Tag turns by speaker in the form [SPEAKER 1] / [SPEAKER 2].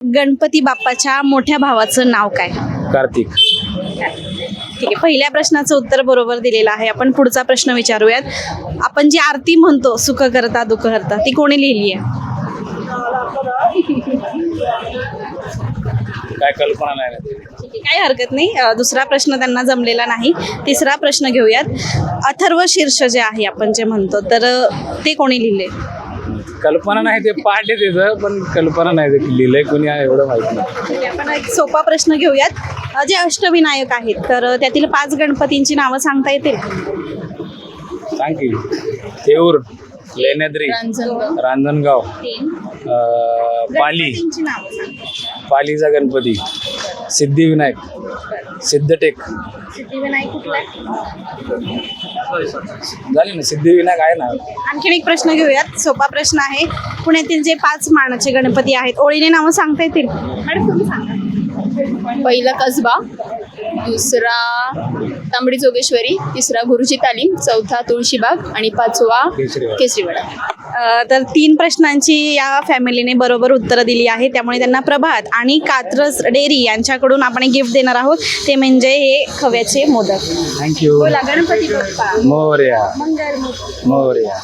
[SPEAKER 1] गणपती बाप्पाच्या मोठ्या भावाचं नाव काय?
[SPEAKER 2] कार्तिक.
[SPEAKER 1] ठीक आहे, पहिल्या प्रश्नाचं उत्तर बरोबर दिलेलं आहे. आपण पुढचा प्रश्न विचारूयात. आपण जी आरती म्हणतो, सुख करता दुःख हरता, ती कोणी लिहिली आहे?
[SPEAKER 2] काय कल्पना नाही ना.
[SPEAKER 1] ठीक आहे, काही हरकत नाही. दुसरा प्रश्न त्यांना जमलेला नाही. तिसरा प्रश्न घेऊयात. अथर्व शीर्ष जे आहे आपण जे म्हणतो, तर ते कोणी लिहिले?
[SPEAKER 2] कल्पना नाही, ते पाठ आहे त्याचं, पण कल्पना नाही ते लिहिलंय कोणी आहे एवढं माहिती नाही.
[SPEAKER 1] ठीक आहे, आपण एक सोपा प्रश्न घेऊयात. जे अष्टविनायक आहेत, तर त्यातील 5 गणपतींची नावं सांगता येतील?
[SPEAKER 2] सांग की. थेऊर, लेण्याद्री, रांजणगाव, पाली,
[SPEAKER 1] गणपतींची नावं सांग.
[SPEAKER 2] पालीचा गणपती, सिद्धिविनायक, सिद्धटेक.
[SPEAKER 1] सिद्धिविनायक कुठला आहे?
[SPEAKER 2] झाली ना, सिद्धिविनायक आहे ना.
[SPEAKER 1] आणखीन एक प्रश्न घेऊयात. सोपा प्रश्न आहे. पुण्यातील जे 5 मानाचे गणपती आहेत, ओळीने नावं सांगता येतील? मॅडम तुम्ही सांगा.
[SPEAKER 3] पहिला कसबा, दुसरा तांबडी जोगेश्वरी, तिसरा गुरुजी तालीम, चौथा तुळशीबाग आणि 5वा केसरीवाडा.
[SPEAKER 1] तर 3 प्रश्नांची या फॅमिलीने बरोबर उत्तरं दिली आहे. त्यामुळे त्यांना प्रभात आणि कात्रज डेअरी यांच्याकडून आपण एक गिफ्ट देणार आहोत. ते म्हणजे हे खव्याचे मोदक.
[SPEAKER 2] थँक्यू.
[SPEAKER 1] बोला, गणपती बाप्पा
[SPEAKER 2] मोरया.
[SPEAKER 1] मंगल मूर्ती.
[SPEAKER 2] मोरया.